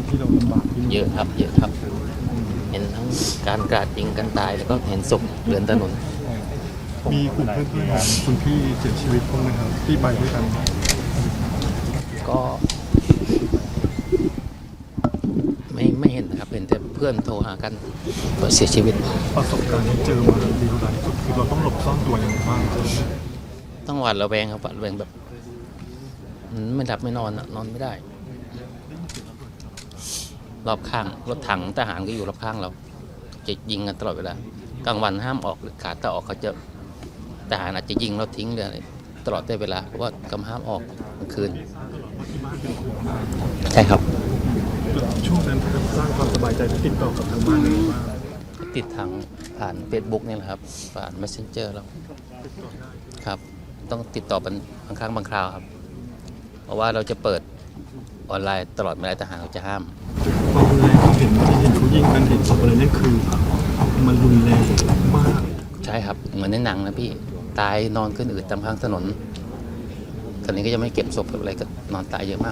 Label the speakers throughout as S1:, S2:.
S1: ที่เราลำบากที่นี่
S2: เยอะครับเยอะครับเห็นทั้งการกราดยิงกันตายแล้วก็เห็นศพเรือนถนน
S1: มีกลุ่มเพื่อนๆคุณพี่เสียชีวิตบ้างไหมครับที่ไปด้วยกัน
S2: ก็ไม่เห็นนะครับเห็นแต่เพื่อนโทรหากันว่าเสียชีวิต
S1: ประสบการณ์ที่เจอมาดีเท่าไหร่ที่สุดคือเราต้องหลบซ่อนตัวยังไงบ้าง
S2: ต้องหวาดระแวงครับหวาดระแวงแบบไม่หลับไม่นอนนอนไม่ได้รอบข้างรถถังทหารก็อยู่รอบข้างเราจะยิงกันตลอดเวลากลางวันห้ามออกขาดถ้าออกเขาจะทหารอาจจะยิงเราทิ้งเลยตลอดได้เวลาเพราะว่ากำห้ามออกกลางคืนใช่ครับ
S1: ช่วงนั้นสร้างความสบายใจที่ติดต่อกับทางบ้านเลยว่า
S2: ติดทางผ่าน Facebook นี่แหละครับผ่าน Messenger เราครับต้องติดต่อเป็นบางครั้งบางคราวครับเพราะว่าเราจะเปิดออนไลน์ตลอดไม่ได้ทหารเขาจะห้าม
S1: ความรุนแรงที่เห็นเขายิงกันเห็นศพอะไรนั่นคือมันรุนแรงมาก
S2: ใช่ครับเหมือนในหนังนะพี่ตายนอนขึ้นอืดตามข้างถนนตอนนี้ก็จะไม่เก็บศพกับอะไรก็นอนตายเยอะมาก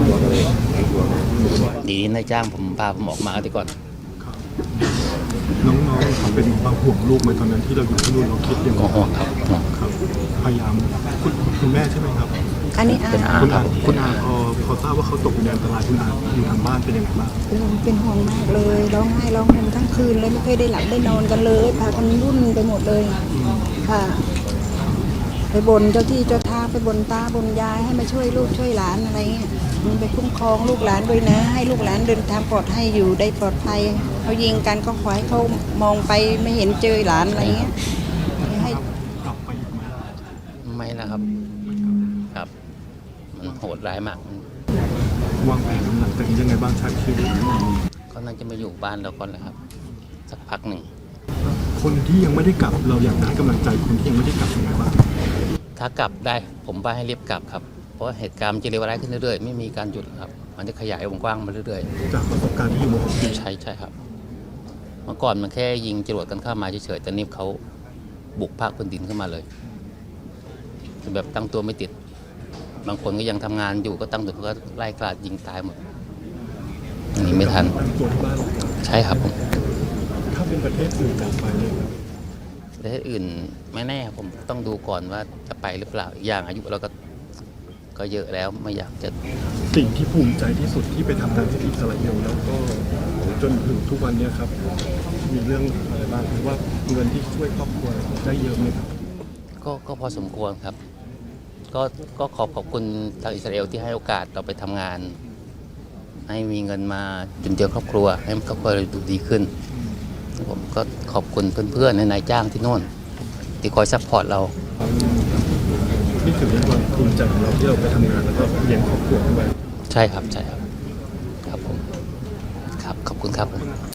S2: ดีนายจ้างผมพาผมออกมาดีก่อน
S1: น้องๆเขาเป็นบางห่วงลูกไหมตอนนั้นที่เราอยู่ที่นู่นเราคิดยังไง
S2: ห่วงครับ
S1: พยายามคุณแม่ใช่ไหมครับ
S3: อันนี้
S2: เป็นอาครับ
S1: คุณอาพอทราบว่าเขาตกอยู่ในอันตรายคุณอาอยู่ทางบ้านเป็นยังไงบ้าง
S3: เป็นห่วงมากเลยร้องไห้ร้องห่มทั้งคืนเลยไม่เคยได้หลับได้นอนกันเลยพากันรุ่นไปหมดเลยค่ะไปบนเจ้าที่เจ้าทางไปบนตาบนยายให้มาช่วยลูกช่วยหลานอะไรเงี้ยมันไปคุ้มครองลูกหลานด้วยนะให้ลูกหลานเดินทางปลอดภัยอยู่ได้ปลอดภัยเขายิงกันก็ขอให้เขามองไปไม่เห็นเจอหลานอะไรเงี้ยให้
S1: กลับไปอีกไหม
S2: ไม่นะครับครับมันโหดร้ายมาก
S1: วางแผนหลังจากนี้ยังไงบ้างใช้ชีวิต
S2: ก็น่าจะมาอยู่บ้านเราก่อนแหละครับสักพักหนึ่ง
S1: คนที่ยังไม่ได้กลับเราอยากให้กำลังใจคนที่ยังไม่ได้กลับยังไงบ้าง
S2: ถ้ากลับได้ผมว่าให้รีบกลับครับเพราะเหตุการณ์จะเลวร้ายขึ้นเรื่อยๆไม่มีการหยุดครับมันจะขยายวงกว้างมาเรื่อย
S1: ๆจากประสบการณ์ที่อยู่มา6 ปี
S2: ใช่ครับเมื่อก่อนมันแค่ยิงจรวดกันเข้ามาเฉยๆแต่นี่เขาบุกภาคพื้นดินเข้ามาเลยแบบตั้งตัวไม่ติดบางคนก็ยังทำงานอยู่ก็ตั้งตัวก็ไล่กราดยิงตายหมดนี่ไม่ทันใช่ครับผม
S1: ถ้าเป็นประเทศอื่นต่อไปเลยครับ
S2: ประเทศอื่นไม่แน่ผมต้องดูก่อนว่าจะไปหรือเปล่าอย่างอายุเราก็เยอะแล้วไม่อยากจะ
S1: สิ่งที่ภูมิใจที่สุดที่ไปทำงานที่อิสราเอลแล้วก็จนถึงทุกวันนี้ครับมีเรื่องอะไรบ้างหรือว่าเงินที่ช่วยครอบครัวได้เยอะไหมครับ
S2: ก็พอสมควรครับก็ขอบคุณทางอิสราเอลที่ให้โอกาสเราไปทำงานให้มีเงินมาจุนเจือครอบครัวให้ครอบครัวเราดูดีขึ้นผมก็ขอบคุณเพื่อนๆในนายจ้างที่โน่นที่คอยซัพพอร์ตเรา
S1: นี่คือเรื่องความภูมิใจของเราที่เราไปทำงานแล้วก็เลี้ยงครอบครัวด้วย
S2: ใช่ครับครับผมครับขอบคุณครับ